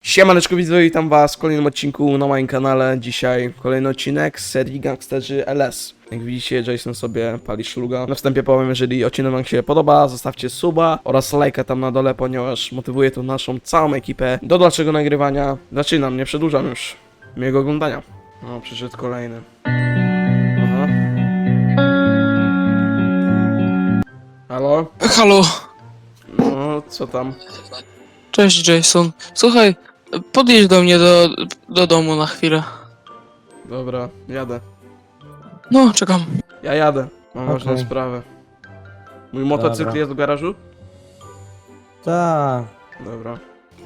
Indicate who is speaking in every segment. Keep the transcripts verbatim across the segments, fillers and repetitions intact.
Speaker 1: Siemaneczko widzowie, witam was w kolejnym odcinku na moim kanale. Dzisiaj kolejny odcinek z serii Gangsterzy L S. Jak widzicie, Jason sobie pali szluga. Na wstępie powiem, jeżeli odcinek wam się podoba, zostawcie suba oraz lajka tam na dole, ponieważ motywuje to naszą całą ekipę do dalszego nagrywania. Zaczynam, nie przedłużam już. Miłego oglądania. No, przyszedł kolejny. Aha. Halo?
Speaker 2: Halo,
Speaker 1: No, co tam?
Speaker 2: cześć Jason. Słuchaj, podjedź do mnie do, do domu na chwilę.
Speaker 1: Dobra, jadę.
Speaker 2: No, czekam.
Speaker 1: Ja jadę. Mam
Speaker 3: Okej.
Speaker 1: ważną sprawę. Mój motocykl
Speaker 3: Dobra.
Speaker 1: jest w garażu?
Speaker 3: Tak.
Speaker 1: Dobra.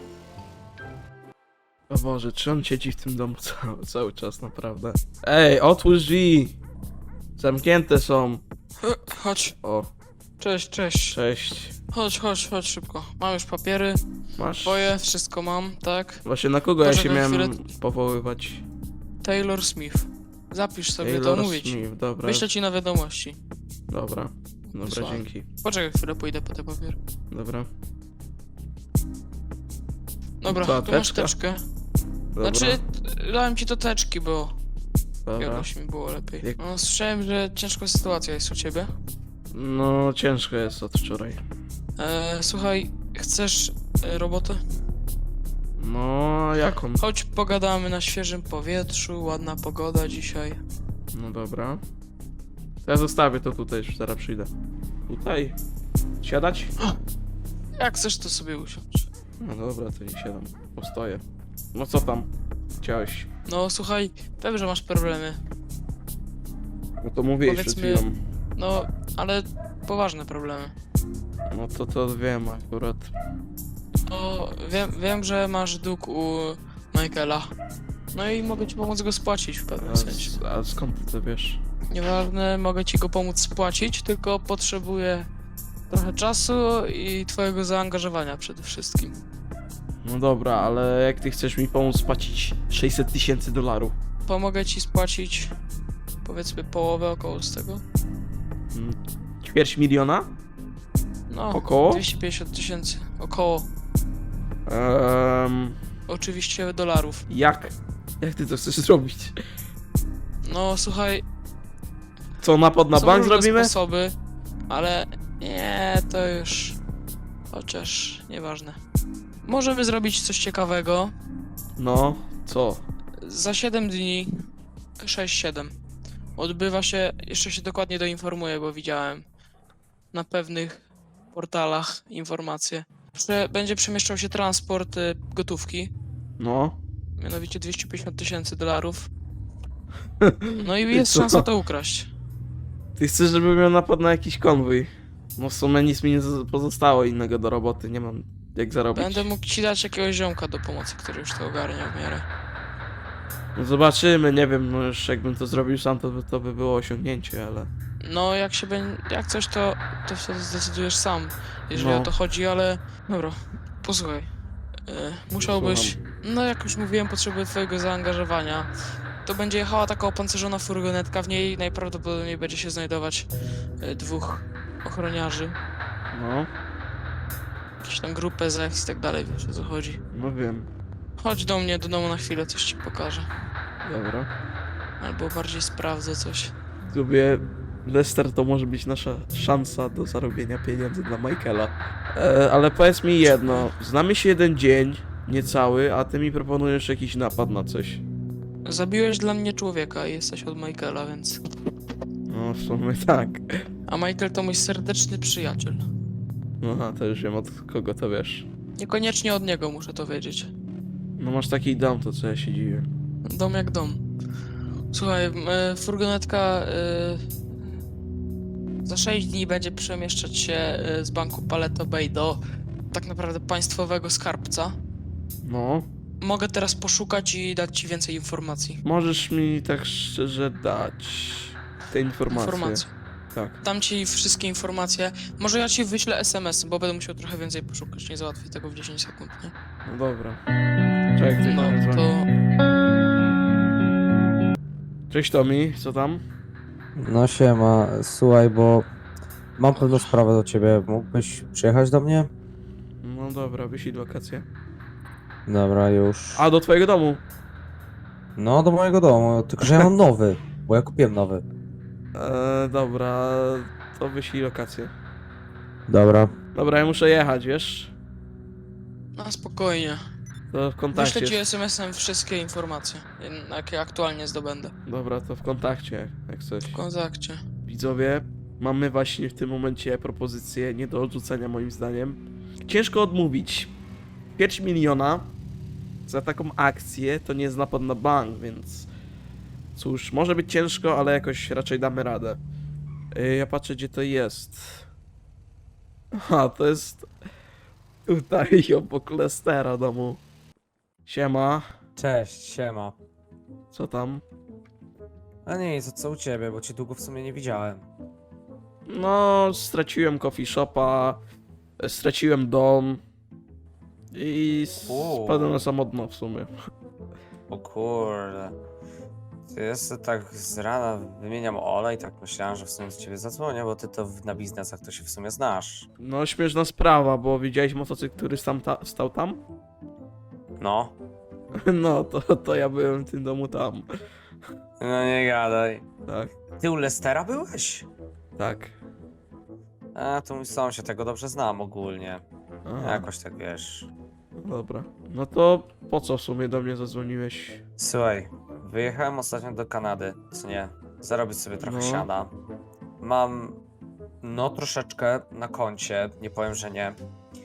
Speaker 1: O Boże, czy on siedzi w tym domu cały, cały czas, naprawdę? Ej, otwórz drzwi! Zamknięte są.
Speaker 2: E, Chodź,
Speaker 1: O,
Speaker 2: cześć, cześć.
Speaker 1: cześć.
Speaker 2: Chodź, chodź, chodź szybko. Mam już papiery,
Speaker 1: Masz?
Speaker 2: twoje, wszystko mam, tak?
Speaker 1: Właśnie na kogo ja się
Speaker 2: Poczekaj
Speaker 1: miałem
Speaker 2: chwilę.
Speaker 1: powoływać?
Speaker 2: Taylor Smith. Zapisz sobie
Speaker 1: Taylor
Speaker 2: to, mówię ci.
Speaker 1: Smith, dobra.
Speaker 2: Wyślę ci na wiadomości.
Speaker 1: Dobra. Dobra,
Speaker 2: Wysłałem.
Speaker 1: dzięki.
Speaker 2: Poczekaj chwilę, pójdę po te papiery.
Speaker 1: Dobra.
Speaker 2: Dobra,
Speaker 1: Co,
Speaker 2: tu masz
Speaker 1: teczka?
Speaker 2: teczkę.
Speaker 1: Dobra.
Speaker 2: Znaczy, dałem ci to teczki, bo
Speaker 1: Dobra.
Speaker 2: jakoś mi było lepiej.
Speaker 1: Jak-
Speaker 2: No, słyszałem, że ciężka sytuacja jest u ciebie.
Speaker 1: No, ciężko jest od wczoraj.
Speaker 2: E, słuchaj, chcesz e, robotę?
Speaker 1: No, jaką?
Speaker 2: Chodź pogadamy na świeżym powietrzu, ładna pogoda dzisiaj.
Speaker 1: No dobra. To ja zostawię to tutaj, już zaraz przyjdę. Tutaj? Siadać?
Speaker 2: Jak chcesz, to sobie usiądź.
Speaker 1: No dobra, to nie siadam. Postoję. No co tam? Chciałeś?
Speaker 2: No słuchaj, wiem, że masz problemy.
Speaker 1: No to mówiłeś przed
Speaker 2: Powiedzmy-
Speaker 1: chwilą.
Speaker 2: No, ale poważne problemy.
Speaker 1: No to to wiem akurat.
Speaker 2: No, wiem, wiem, że masz dług u Michaela. No i mogę ci pomóc go spłacić w pewnym
Speaker 1: A,
Speaker 2: sensie.
Speaker 1: s- a skąd ty to wiesz?
Speaker 2: Nieważne, mogę ci go pomóc spłacić, tylko potrzebuję trochę czasu i twojego zaangażowania przede wszystkim.
Speaker 1: No dobra, ale jak ty chcesz mi pomóc spłacić sześćset tysięcy dolarów?
Speaker 2: Pomogę ci spłacić powiedzmy połowę około z tego.
Speaker 1: Mm, Ćwierć miliona?
Speaker 2: No,
Speaker 1: Około?
Speaker 2: dwieście pięćdziesiąt tysięcy. Około.
Speaker 1: Um,
Speaker 2: Oczywiście dolarów.
Speaker 1: jak? Jak ty to chcesz zrobić?
Speaker 2: No słuchaj,
Speaker 1: Co, napad na
Speaker 2: są
Speaker 1: bank
Speaker 2: różne
Speaker 1: zrobimy?
Speaker 2: sposoby, ale nie, to już... Chociaż nieważne. Możemy zrobić coś ciekawego.
Speaker 1: No, co?
Speaker 2: Za siedem dni, sześć siedem, odbywa się, jeszcze się dokładnie doinformuję, bo widziałem na pewnych portalach informacje, że będzie przemieszczał się transport y, gotówki,
Speaker 1: No.
Speaker 2: mianowicie dwieście pięćdziesiąt tysięcy dolarów. No i jest
Speaker 1: Co?
Speaker 2: szansa to ukraść.
Speaker 1: Ty chcesz, żebym miał napad na jakiś konwój? No w sumie nic mi nie z- pozostało innego do roboty, nie mam jak zarobić.
Speaker 2: Będę mógł ci dać jakiegoś ziomka do pomocy, który już to ogarnia w miarę.
Speaker 1: No zobaczymy, nie wiem, no już jakbym to zrobił sam, to by, to by było osiągnięcie, ale...
Speaker 2: No jak się będzie, jak coś to, to wtedy zdecydujesz sam, jeżeli
Speaker 1: No.
Speaker 2: o to chodzi, ale... Dobra, posłuchaj. Y, musiałbyś... No jak już mówiłem, potrzebuję twojego zaangażowania. To będzie jechała taka opancerzona furgonetka, w niej najprawdopodobniej będzie się znajdować y, dwóch ochroniarzy.
Speaker 1: No,
Speaker 2: Jakieś tam grupę z i tak dalej, wiesz o co chodzi.
Speaker 1: no wiem.
Speaker 2: Chodź do mnie do domu na chwilę, coś ci pokażę.
Speaker 1: Dobra.
Speaker 2: Albo bardziej sprawdzę coś.
Speaker 1: Lubię... Lester to może być nasza szansa do zarobienia pieniędzy dla Michaela. E, ale powiedz mi jedno, znamy się jeden dzień, niecały, a ty mi proponujesz jakiś napad na coś.
Speaker 2: Zabiłeś dla mnie człowieka i jesteś od Michaela, więc...
Speaker 1: No w sumie tak.
Speaker 2: A Michael to mój serdeczny przyjaciel.
Speaker 1: Aha, to już wiem od kogo to wiesz.
Speaker 2: Niekoniecznie od niego muszę to wiedzieć.
Speaker 1: No masz taki dom, to co ja się dziwię.
Speaker 2: Dom jak dom. Słuchaj, m, e, furgonetka e, za sześć dni będzie przemieszczać się e, z banku Paleto Bay do tak naprawdę państwowego skarbca.
Speaker 1: No,
Speaker 2: Mogę teraz poszukać i dać ci więcej informacji.
Speaker 1: możesz mi tak szczerze dać te informacje.
Speaker 2: Informacji.
Speaker 1: Tak.
Speaker 2: Dam ci wszystkie informacje. Może ja ci wyślę es em es, bo będę musiał trochę więcej poszukać. Nie załatwię tego w dziesięć sekund, nie?
Speaker 1: No dobra. Czekaj, ktoś
Speaker 2: No
Speaker 1: do mnie dzwoni.
Speaker 2: to...
Speaker 1: Cześć Tomi, co tam?
Speaker 3: No siema, słuchaj, bo mam pewną sprawę do ciebie. Mógłbyś przyjechać do mnie?
Speaker 1: No dobra, wyślij wakacje.
Speaker 3: Dobra, już.
Speaker 1: A, do twojego domu.
Speaker 3: No, do mojego domu, tylko że ja mam nowy, bo ja kupiłem nowy.
Speaker 1: Eee, dobra, to wyślij lokację.
Speaker 3: Dobra.
Speaker 1: Dobra, ja muszę jechać, wiesz?
Speaker 2: No spokojnie.
Speaker 1: To w kontakcie.
Speaker 2: Wyślę ci es em esem wszystkie informacje, jakie aktualnie zdobędę.
Speaker 1: Dobra, to w kontakcie, jak coś.
Speaker 2: W kontakcie.
Speaker 1: Widzowie, mamy właśnie w tym momencie propozycję nie do odrzucenia moim zdaniem. Ciężko odmówić. Pięć miliona za taką akcję to nie jest napad na bank, więc cóż, może być ciężko, ale jakoś raczej damy radę. Yy, ja patrzę, gdzie to jest. Aha, to jest tutaj obok Lestera domu. Siema,
Speaker 3: Cześć, siema.
Speaker 1: co tam?
Speaker 3: A nie, co, co u ciebie, bo cię długo w sumie nie widziałem.
Speaker 1: No, straciłem coffee shopa, straciłem dom i
Speaker 3: Uuu.
Speaker 1: spadłem na samotno w sumie.
Speaker 3: O kurde. Ty jeszcze tak z rana wymieniam olej, tak myślałem, że w sumie do ciebie zadzwonię, bo ty to w- na biznesach to się w sumie znasz.
Speaker 1: No, śmieszna sprawa, bo widziałeś motocykl, który tam ta, stał tam?
Speaker 3: No.
Speaker 1: No, to, to ja byłem w tym domu tam.
Speaker 3: No nie gadaj.
Speaker 1: Tak,
Speaker 3: Ty u Lestera byłeś?
Speaker 1: tak.
Speaker 3: A, to mój sąsiad, ja go dobrze znam ogólnie.
Speaker 1: Aha,
Speaker 3: Jakoś tak wiesz.
Speaker 1: dobra. No to po co w sumie do mnie zadzwoniłeś?
Speaker 3: Słuchaj, wyjechałem ostatnio do Kanady, co nie? Zarobić sobie trochę
Speaker 1: No.
Speaker 3: siada. Mam, no troszeczkę na koncie, nie powiem, że nie.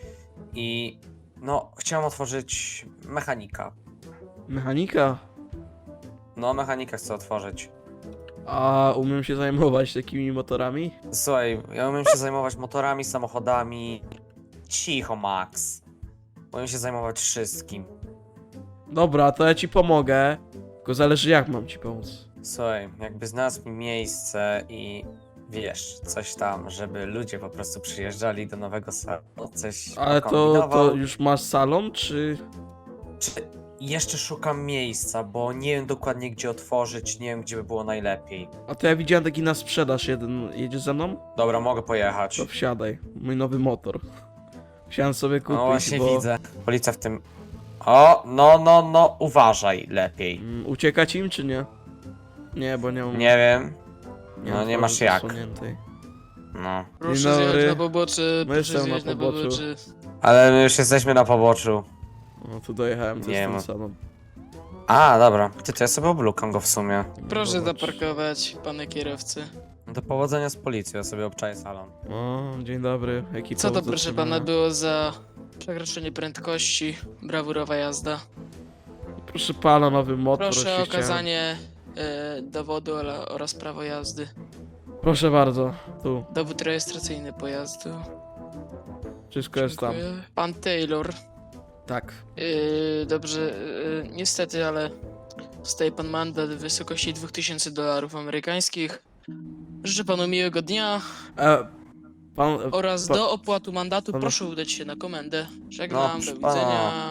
Speaker 3: I, no, chciałem otworzyć mechanika.
Speaker 1: Mechanika?
Speaker 3: No, mechanika chcę otworzyć.
Speaker 1: A umiem się zajmować takimi motorami?
Speaker 3: Słuchaj, ja umiem się zajmować motorami, samochodami. Cicho, Max. Umiem się zajmować wszystkim.
Speaker 1: Dobra, to ja ci pomogę. Tylko zależy jak mam ci pomóc.
Speaker 3: Słuchaj, jakby znalazł mi miejsce i wiesz, coś tam, żeby ludzie po prostu przyjeżdżali do nowego salonu, coś
Speaker 1: Ale to,
Speaker 3: pokombinował.
Speaker 1: to już masz salon, czy...
Speaker 3: Czy jeszcze szukam miejsca, bo nie wiem dokładnie gdzie otworzyć, nie wiem gdzie by było najlepiej.
Speaker 1: A to ja widziałem taki na sprzedaż jeden. Jedziesz ze mną?
Speaker 3: Dobra, mogę pojechać.
Speaker 1: To wsiadaj. Mój nowy motor. Chciałem sobie kupić,
Speaker 3: No właśnie
Speaker 1: bo...
Speaker 3: widzę. Policja w tym... O, no, no, no, uważaj lepiej.
Speaker 1: Mm, uciekać im, czy nie? Nie, bo nie mam...
Speaker 3: Nie wiem.
Speaker 1: nie
Speaker 3: no
Speaker 1: mam
Speaker 3: nie masz
Speaker 1: twarzy
Speaker 3: jak.
Speaker 1: zasłoniętej.
Speaker 3: No.
Speaker 2: Proszę
Speaker 1: Dzień
Speaker 2: zjechać
Speaker 1: dobry.
Speaker 2: na pobocze,
Speaker 1: No
Speaker 2: proszę
Speaker 1: jestem na
Speaker 2: zjechać na
Speaker 1: poboczu.
Speaker 2: pobocze.
Speaker 3: Ale my już jesteśmy na poboczu.
Speaker 1: No tu dojechałem, to
Speaker 3: Nie
Speaker 1: jest ten
Speaker 3: ma.
Speaker 1: salon.
Speaker 3: A, dobra. Ty, to ja sobie oblukam go w sumie.
Speaker 2: Proszę
Speaker 1: Zobacz.
Speaker 2: zaparkować, panie kierowcy.
Speaker 3: No do powodzenia z policją, ja sobie obczaję salon.
Speaker 1: O, dzień dobry. Jaki
Speaker 2: Co to
Speaker 1: powód
Speaker 2: proszę
Speaker 1: zatrzymania?
Speaker 2: pana było za przekroczenie prędkości, brawurowa jazda?
Speaker 1: Proszę pana, nowy motor.
Speaker 2: Proszę
Speaker 1: się
Speaker 2: o
Speaker 1: chciałem-
Speaker 2: okazanie e, dowodu ola- oraz prawo jazdy.
Speaker 1: Proszę bardzo, tu.
Speaker 2: Dowód rejestracyjny pojazdu.
Speaker 1: Wszystko jest tam.
Speaker 2: Dziękuję. Pan Taylor.
Speaker 1: Tak.
Speaker 2: Yy, dobrze, yy, niestety, ale dostaje pan mandat w wysokości dwa tysiące dolarów amerykańskich. Życzę panu miłego dnia
Speaker 1: E, pan...
Speaker 2: oraz
Speaker 1: pa-
Speaker 2: do opłatu mandatu
Speaker 1: pan-
Speaker 2: proszę udać się na komendę. Żegnam,
Speaker 3: No,
Speaker 2: do
Speaker 3: proszę
Speaker 2: widzenia.
Speaker 3: pana.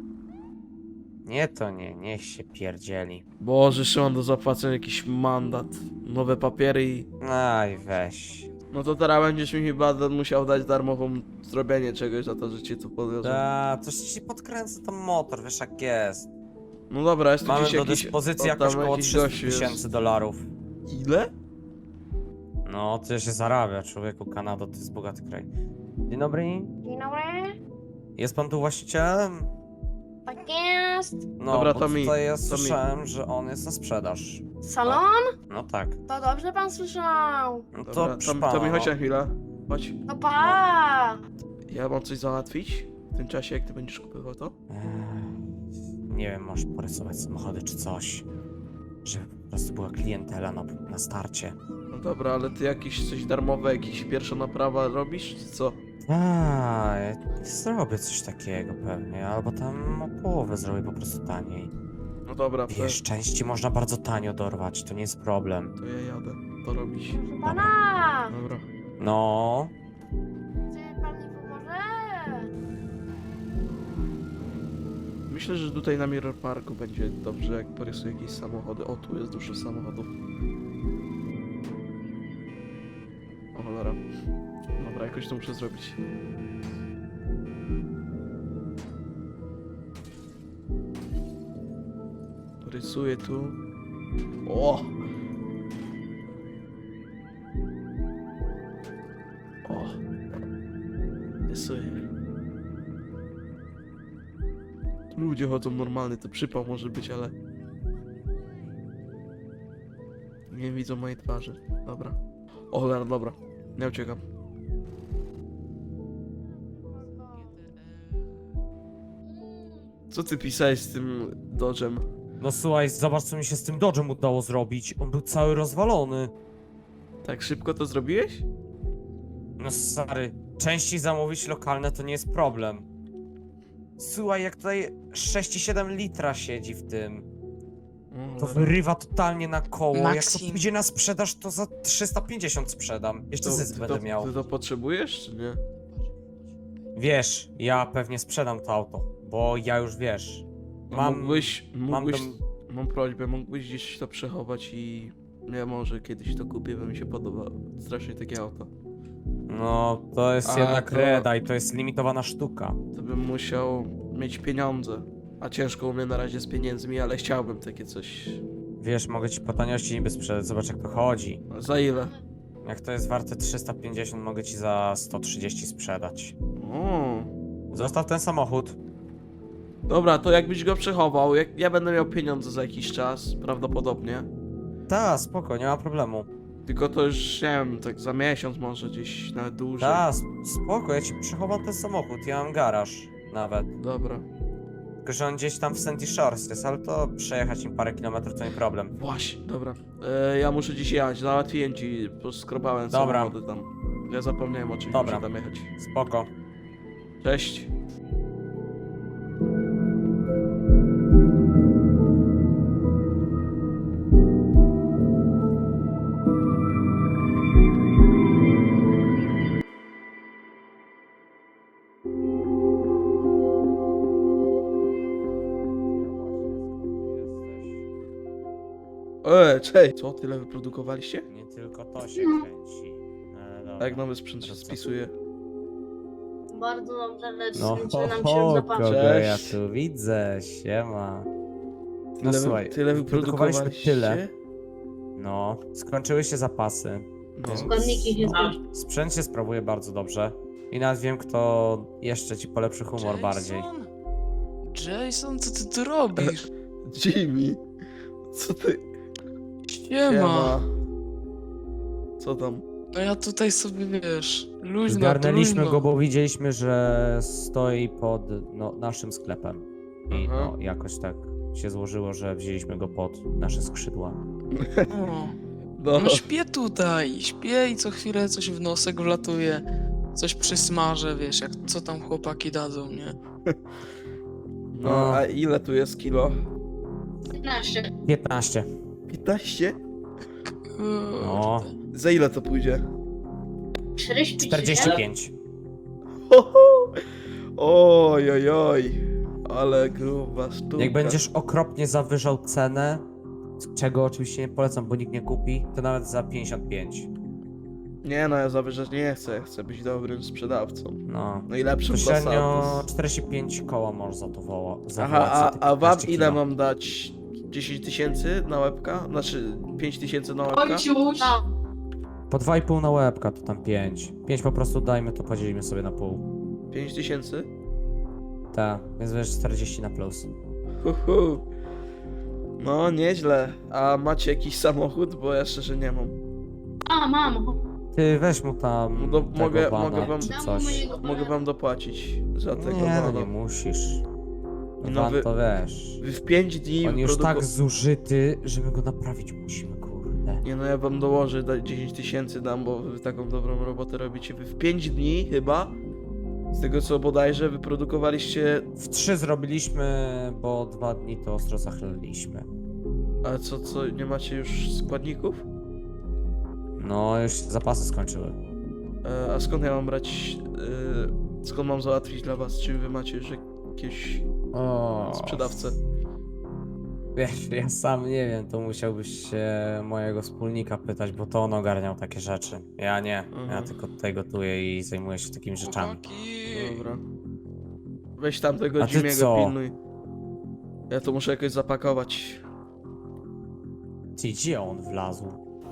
Speaker 3: Nie to nie, niech się pierdzieli.
Speaker 1: Boże, jeszcze mam do zapłacenia jakiś mandat. Nowe papiery i...
Speaker 3: Aj, weź.
Speaker 1: No to teraz będziesz mi chyba da- musiał dać darmową zrobienie czegoś za to, że cię tu podwiozłem.
Speaker 3: Da, coś ci podkręcę ten motor, wiesz jak jest.
Speaker 1: No dobra, jest tu
Speaker 3: Mamy
Speaker 1: gdzieś
Speaker 3: do
Speaker 1: jakiś...
Speaker 3: dyspozycji
Speaker 1: o, tam
Speaker 3: jakoś około
Speaker 1: jakiś
Speaker 3: trzysta
Speaker 1: gościu jest.
Speaker 3: tysięcy dolarów.
Speaker 1: Ile?
Speaker 3: No, tyle się zarabia, człowieku, Kanada to jest bogaty kraj. Dzień dobry.
Speaker 4: Dzień dobry.
Speaker 3: Jest pan tu właścicielem?
Speaker 4: Tak jest.
Speaker 3: No,
Speaker 1: Dobra,
Speaker 3: bo
Speaker 1: to mi,
Speaker 3: tutaj ja
Speaker 1: to mi.
Speaker 3: słyszałem, że on jest na sprzedaż.
Speaker 4: Salon?
Speaker 3: No tak.
Speaker 4: To dobrze pan słyszał.
Speaker 3: No to,
Speaker 1: Dobra,
Speaker 3: proszę
Speaker 1: to,
Speaker 3: pana,
Speaker 1: to mi
Speaker 3: no.
Speaker 1: chodź na chwilę. Chodź.
Speaker 4: No pa.
Speaker 1: Ja mam coś załatwić w tym czasie, jak ty będziesz kupował to?
Speaker 3: Eee, Nie wiem, możesz porysować samochody czy coś. Żeby po prostu była klientela na, na starcie.
Speaker 1: No dobra, ale ty jakieś coś darmowe, jakieś pierwsza naprawa robisz, czy co?
Speaker 3: A, ja zrobię coś takiego pewnie, albo tam o połowę zrobię po prostu taniej.
Speaker 1: No dobra, to,
Speaker 3: Wiesz, części można bardzo tanio dorwać, to nie jest problem.
Speaker 1: to ja jadę to robić.
Speaker 4: Proszę pana.
Speaker 1: Dobra.
Speaker 3: No,
Speaker 4: Czy pan mi pomoże?
Speaker 1: Myślę, że tutaj na Mirror Parku będzie dobrze, jak porysuję jakieś samochody. O, tu jest dużo samochodów. O cholera. Dobra, jakoś to muszę zrobić. Rysuję tu. O! O! Rysuję. Ludzie chodzą normalny, to przypał może być, ale... Nie widzą mojej twarzy. Dobra. O cholera, dobra. Nie uciekam. Co ty pisałeś z tym dodżem?
Speaker 3: No słuchaj, zobacz co mi się z tym Dodge'em udało zrobić. On był cały rozwalony.
Speaker 1: Tak szybko to zrobiłeś?
Speaker 3: No stary, częściej zamówić lokalne to nie jest problem. Słuchaj, jak tutaj sześć i siedem litra siedzi w tym.
Speaker 1: O,
Speaker 3: To
Speaker 1: cholera.
Speaker 3: wyrywa totalnie na koło. Jak to
Speaker 2: Maxim.
Speaker 3: pójdzie na sprzedaż, to za trzysta pięćdziesiąt sprzedam. Jeszcze
Speaker 1: To-
Speaker 3: zysk
Speaker 1: ty
Speaker 3: będę
Speaker 1: to,
Speaker 3: miał.
Speaker 1: Ty to potrzebujesz, czy nie?
Speaker 3: Wiesz, ja pewnie sprzedam to auto, bo ja już wiesz.
Speaker 1: A
Speaker 3: Mam.
Speaker 1: Mógłbyś,
Speaker 3: mam
Speaker 1: mógłbyś,
Speaker 3: dom-
Speaker 1: mam prośbę, mógłbyś gdzieś to przechować i... Ja może kiedyś to kupię, bo mi się podoba strasznie takie auto.
Speaker 3: No, to jest
Speaker 1: A,
Speaker 3: jednak
Speaker 1: to-
Speaker 3: reda i to jest limitowana sztuka.
Speaker 1: To bym musiał mieć pieniądze. A ciężko u mnie na razie z pieniędzmi, ale chciałbym takie coś...
Speaker 3: Wiesz, mogę ci po taniości niby sprzedać, zobacz jak to chodzi.
Speaker 1: Za ile?
Speaker 3: Jak to jest warte trzysta pięćdziesiąt, mogę ci za sto trzydzieści sprzedać.
Speaker 1: O.
Speaker 3: Zostaw ten samochód.
Speaker 1: Dobra, to jakbyś go przechował, jak ja będę miał pieniądze za jakiś czas, prawdopodobnie.
Speaker 3: Ta, spoko, nie ma problemu.
Speaker 1: Tylko to już, nie wiem, tak za miesiąc może gdzieś, nawet dłużej.
Speaker 3: Ta, sp- spoko, ja ci przechowam ten samochód, ja mam garaż nawet.
Speaker 1: Dobra.
Speaker 3: Tylko, że on gdzieś tam w Sandy Shores jest, ale to przejechać im parę kilometrów to nie problem.
Speaker 1: Właśnie, dobra. E, ja muszę dziś jechać, załatwiłem ci, poskrobałem
Speaker 3: Dobra.
Speaker 1: samochody tam. Ja zapomniałem o czymś,
Speaker 3: Dobra.
Speaker 1: muszę tam jechać.
Speaker 3: Spoko.
Speaker 1: Cześć. E, cześć! Co, tyle wyprodukowaliście?
Speaker 3: Nie tylko to się kręci. No, dobra.
Speaker 1: A jak nowy sprzęt się
Speaker 3: To co?
Speaker 1: spisuje?
Speaker 4: Bardzo dobrze, lecz
Speaker 3: No,
Speaker 4: skończy
Speaker 3: ho,
Speaker 4: nam
Speaker 3: ho,
Speaker 4: się zapasy.
Speaker 3: kogo ja
Speaker 1: Cześć.
Speaker 3: tu widzę, siema. No
Speaker 1: Tyle,
Speaker 3: słuchaj,
Speaker 1: tyle
Speaker 3: wyprodukowaliśmy
Speaker 1: wyprodukowaliście?
Speaker 3: tyle. No, skończyły się zapasy.
Speaker 1: No.
Speaker 4: Składniki się skończą.
Speaker 3: Sprzęt się sprawuje bardzo dobrze. I nawet wiem, kto jeszcze ci polepszy humor
Speaker 2: Jason?
Speaker 3: bardziej.
Speaker 2: Jason, co ty tu robisz?
Speaker 1: Jimmy! Co ty?
Speaker 2: Siema.
Speaker 1: Co tam?
Speaker 2: No ja tutaj sobie, wiesz, luźno,
Speaker 3: Zgarnęliśmy
Speaker 2: luźno.
Speaker 3: go, bo widzieliśmy, że stoi pod no, naszym sklepem. I
Speaker 1: Aha.
Speaker 3: no, jakoś tak się złożyło, że wzięliśmy go pod nasze skrzydła.
Speaker 2: O,
Speaker 1: No,
Speaker 2: no śpię tutaj, śpię i co chwilę coś w nosek wlatuje, coś przysmażę, wiesz, jak co tam chłopaki dadzą, nie?
Speaker 1: no a ile tu jest kilo?
Speaker 4: piętnaście.
Speaker 3: piętnaście.
Speaker 1: piętnaście?
Speaker 3: No.
Speaker 2: Kurde.
Speaker 1: Za ile to pójdzie?
Speaker 4: czterdzieści
Speaker 3: czterdzieści pięć.
Speaker 1: Ho, ho. Oj, oj, oj. Ale gruba sztuka.
Speaker 3: Jak będziesz okropnie zawyżał cenę, czego oczywiście nie polecam, bo nikt nie kupi, to nawet za pięćdziesiąt pięć.
Speaker 1: Nie no, ja zawyżać nie chcę, ja chcę być dobrym sprzedawcą.
Speaker 3: No.
Speaker 1: Najlepszym
Speaker 3: Średnio
Speaker 1: Passat.
Speaker 3: czterdzieści pięć koła możesz za to woła. za
Speaker 1: Aha,
Speaker 3: wołać za
Speaker 1: a,
Speaker 3: te
Speaker 1: a wam
Speaker 3: piętnaście
Speaker 1: ile
Speaker 3: kilo.
Speaker 1: mam dać? dziesięć tysięcy na łebka? Znaczy pięć tysięcy na łebka?
Speaker 4: Ojciuś! No,
Speaker 3: Po dwa i pół na łebka to tam pięć. pięć po prostu dajmy, to podzielimy sobie na pół.
Speaker 1: pięć tysięcy?
Speaker 3: Tak, więc wiesz czterdzieści na plus.
Speaker 1: Hu, hu. No, nieźle. A macie jakiś samochód? Bo ja szczerze nie mam.
Speaker 4: a mam.
Speaker 3: Ty weź mu tam
Speaker 1: No do-
Speaker 3: tego
Speaker 1: mogę-
Speaker 3: bana,
Speaker 1: mogę wam-
Speaker 3: czy
Speaker 4: Dam
Speaker 3: coś.
Speaker 4: mojego
Speaker 1: Mogę wam dopłacić za tego
Speaker 3: Nie, no
Speaker 1: bana.
Speaker 3: nie musisz. No,
Speaker 1: No
Speaker 3: van
Speaker 1: wy-
Speaker 3: to wiesz.
Speaker 1: Wy w pięć dni
Speaker 3: On już
Speaker 1: wyproduko-
Speaker 3: tak zużyty, że my go naprawić musimy, kurde.
Speaker 1: Nie no, ja wam dołożę, da- dziesięć tysięcy dam, bo wy taką dobrą robotę robicie. Wy w pięć dni chyba, z tego co bodajże, wyprodukowaliście...
Speaker 3: W trzy zrobiliśmy, bo dwa dni to ostro zachleliśmy.
Speaker 1: A co, co, nie macie już składników?
Speaker 3: No, już się zapasy skończyły.
Speaker 1: E, a skąd ja mam brać... E, skąd mam załatwić dla was? Czy wy macie już jakieś
Speaker 3: O,
Speaker 1: sprzedawcę?
Speaker 3: Wiesz, ja sam nie wiem, to musiałbyś się mojego wspólnika pytać, bo to on ogarniał takie rzeczy. Ja nie, ja
Speaker 1: Mhm.
Speaker 3: tylko tutaj gotuję i zajmuję się takimi rzeczami.
Speaker 2: Chłopaki.
Speaker 1: Dobra. Weź tam tego
Speaker 3: A ty
Speaker 1: Jimmy'ego
Speaker 3: co?
Speaker 1: pilnuj. Ja to muszę jakoś zapakować.
Speaker 3: Ty, gdzie on wlazł?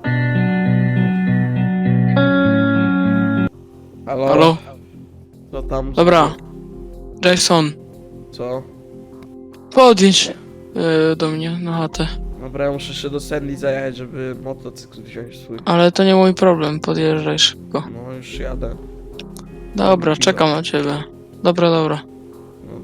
Speaker 1: Halo?
Speaker 2: Halo?
Speaker 1: Co tam?
Speaker 2: Dobra. Jason,
Speaker 1: Co?
Speaker 2: podjedź yy, do mnie na chatę.
Speaker 1: Dobra, ja muszę jeszcze do Sandy zajechać, żeby motocykl wziąć swój.
Speaker 2: Ale to nie mój problem, podjeżdżaj szybko.
Speaker 1: No już jadę.
Speaker 2: Dobra, czekam na ciebie. Dobra, dobra.
Speaker 1: No,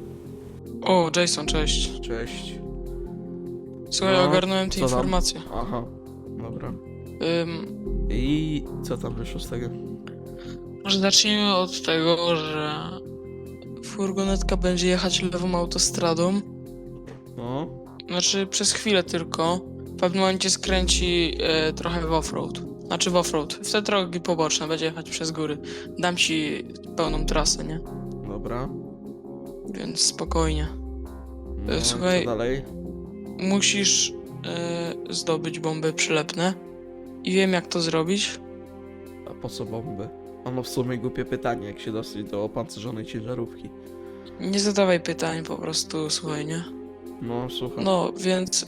Speaker 2: O, Jason, cześć.
Speaker 1: cześć.
Speaker 2: Słuchaj,
Speaker 1: No,
Speaker 2: ogarnąłem te
Speaker 1: co tam?
Speaker 2: informacje.
Speaker 1: Aha, dobra.
Speaker 2: Ym,
Speaker 1: I co tam wyszło z tego?
Speaker 2: może zacznijmy od tego, że furgonetka będzie jechać lewą autostradą.
Speaker 1: No,
Speaker 2: Znaczy przez chwilę tylko. W pewnym momencie skręci e, trochę w offroad. Znaczy w offroad. W te drogi poboczne będzie jechać przez góry. Dam ci pełną trasę, nie?
Speaker 1: dobra.
Speaker 2: Więc spokojnie.
Speaker 1: No,
Speaker 2: E, słuchaj.
Speaker 1: co dalej?
Speaker 2: Musisz e, zdobyć bomby przylepne. I wiem jak to zrobić.
Speaker 1: A po co bomby? Ono w sumie głupie pytanie, jak się dostać do opancerzonej ciężarówki.
Speaker 2: Nie zadawaj pytań, po prostu słuchaj, nie?
Speaker 1: No, słucham.
Speaker 2: No, więc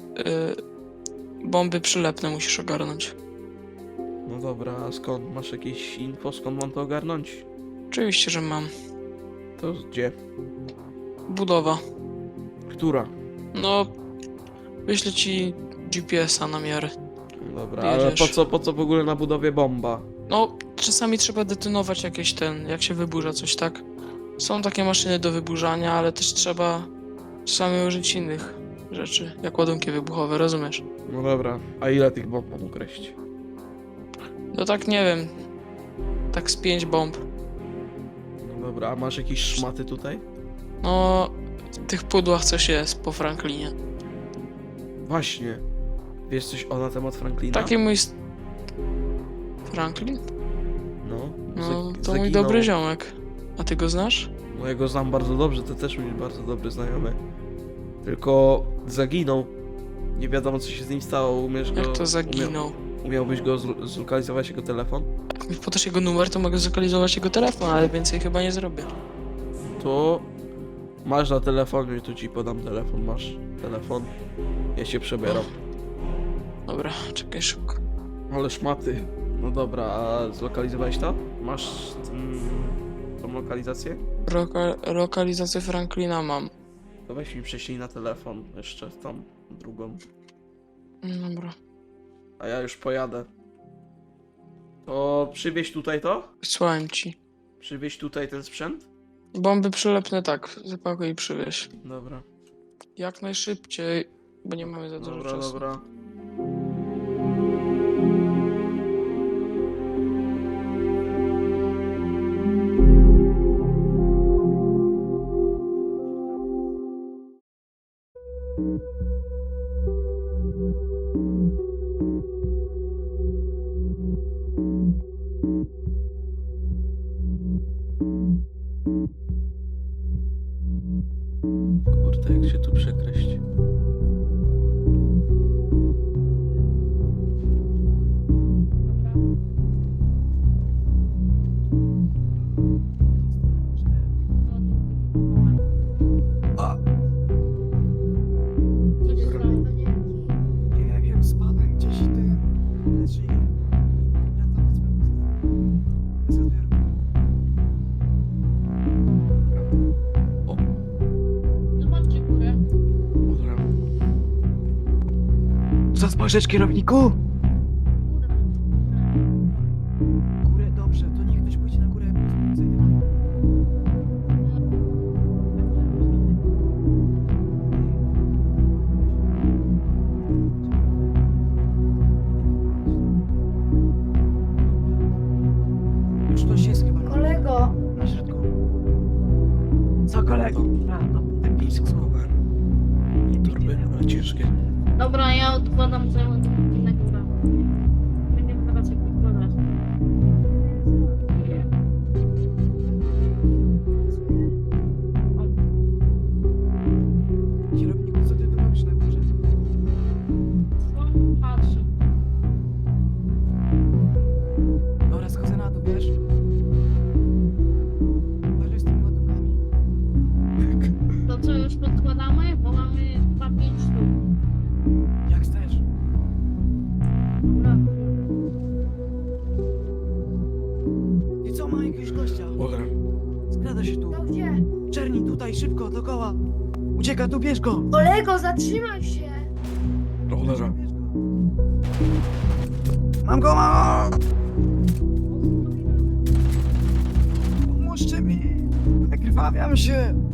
Speaker 2: e, bomby przylepne musisz ogarnąć.
Speaker 1: No dobra, a skąd? Masz jakieś info, skąd mam to ogarnąć?
Speaker 2: Oczywiście, że mam.
Speaker 1: To gdzie?
Speaker 2: Budowa.
Speaker 1: Która?
Speaker 2: No, wyślę ci G P S a na miarę.
Speaker 1: Dobra, ale
Speaker 2: Jedziesz.
Speaker 1: po co, po co w ogóle na budowie bomba?
Speaker 2: No, czasami trzeba detonować jakieś ten, jak się wyburza coś, tak? Są takie maszyny do wyburzania, ale też trzeba czasami użyć innych rzeczy, jak ładunki wybuchowe, rozumiesz?
Speaker 1: No dobra, a ile tych bomb mam ukreślić?
Speaker 2: No tak nie wiem, tak z pięć bomb.
Speaker 1: No dobra, a masz jakieś szmaty tutaj?
Speaker 2: No, w tych pudłach coś jest po Franklinie.
Speaker 1: Właśnie. Wiesz coś o na temat Franklina?
Speaker 2: Taki mój... s- Franklin?
Speaker 1: No,
Speaker 2: No,
Speaker 1: zag-
Speaker 2: to mój
Speaker 1: zaginął.
Speaker 2: dobry ziomek. A ty go znasz?
Speaker 1: No ja go znam bardzo dobrze, to też mój bardzo dobry znajomy. Tylko zaginął. Nie wiadomo co się z nim stało, umiesz go...
Speaker 2: Jak to
Speaker 1: Umia...
Speaker 2: zaginął?
Speaker 1: Umiałbyś go zl- zlokalizować, jego telefon?
Speaker 2: Jak mi podasz jego numer, to mogę zlokalizować jego telefon, ale więcej chyba nie zrobię.
Speaker 1: To... Masz na telefonie, tu ci podam telefon, masz telefon. Ja się przebieram.
Speaker 2: Dobra, czekaj szybko.
Speaker 1: Ale szmaty. No dobra, a zlokalizowałeś to? Masz mm, tą lokalizację?
Speaker 2: Roka- lokalizację Franklina mam.
Speaker 1: To weź mi prześlij na telefon jeszcze tą drugą.
Speaker 2: Dobra.
Speaker 1: A ja już pojadę. To przywieź tutaj to?
Speaker 2: Wysłałem ci.
Speaker 1: Przywieź tutaj ten sprzęt?
Speaker 2: Bomby przylepne tak, zapakuj i przywieź.
Speaker 1: Dobra.
Speaker 2: Jak najszybciej, bo nie mamy za dużo
Speaker 1: Dobra,
Speaker 2: czasu.
Speaker 1: dobra. Kurde, jak się tu przekreślić.
Speaker 4: Co się stało?
Speaker 5: Nie wiem, spadłem gdzieś i tym leży i wracam do swojego bez odbioru.
Speaker 1: O,
Speaker 4: Zobaczcie górę.
Speaker 1: dobra.
Speaker 5: Co spojrzeć, kierowniku?
Speaker 4: Góra.
Speaker 5: Górę, dobrze, to niech ktoś pójdzie na górę, bo zajdę na to. Już ktoś jest chyba na,
Speaker 4: Kolego.
Speaker 5: na środku. Co kolego? A, no, ten pisk
Speaker 1: Skower. Torby, ale ciężkie.
Speaker 4: Dobra, ja odkładam całą na górę. Będziemy teraz jak wykładać.
Speaker 5: Kierowniku, co ty tu robisz na górze?
Speaker 4: Patrzę.
Speaker 5: Dobra, schodzę na dół, wiesz? Uważaj z tymi ładunkami.
Speaker 4: To co, już podkładamy? Bo mamy dwa pięć sztuk.
Speaker 5: Jak chcesz. działa! Ucieka tu, bierz go!
Speaker 4: Kolego, zatrzymaj się!
Speaker 1: Do cholerza.
Speaker 5: Bierz go! Mam go, mam go! Pomóżcie mi! Wykrwawiam się!